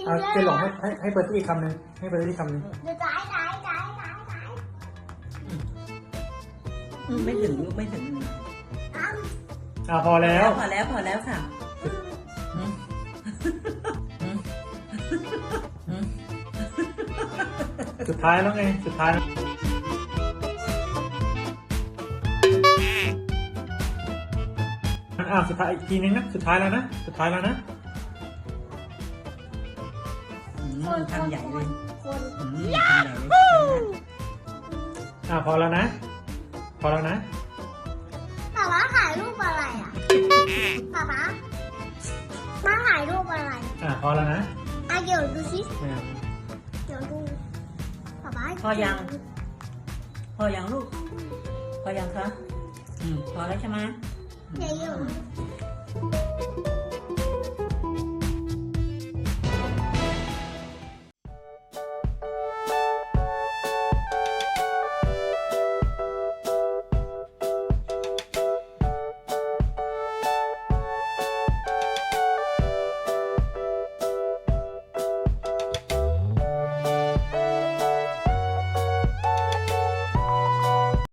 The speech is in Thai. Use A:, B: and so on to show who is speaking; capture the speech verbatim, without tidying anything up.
A: อ่ะเจนหลงให้ให้ให้เปิดที่อีกคำหนึ่งให้เปิดที่อีกคำหนึ่ง
B: เดี๋ยวจ่ายจ่ายจ่ายจ่ายจ่าย
C: อืมไม่ถึงลูกไม่ถึง
B: อ้ำ
A: อ่ะพอแล้ว
C: พอแล้วพอแล้วค่ะอืมอืมอืม
A: สุดท้ายแล้วไงสุดท้ายแล้วอ่ะสุดท้ายอีกทีนึงนะสุดท้ายแล้วนะสุดท้ายแล้วนะ
C: อืม
B: คน
C: ทำใหญ่เลย
B: คน
C: อืมทำใหญ่เลย
A: อ่ะพอแล้วนะ พอแล้วนะ
B: ป๊าป๊าถ่ายรูปอะไรอ่ะป๊าป๊ามาถ่ายรูปอะไร
A: อ่ะพอแล้วนะ
B: อ่ะเดี๋ยวดูสิ
A: อ่ะ
B: เดี๋ยวดูป๊าป๊า
C: พอยังพอยังลูก พอยังคะอืมพอแล้วใช่ไหม
B: เดี๋ยวอยู่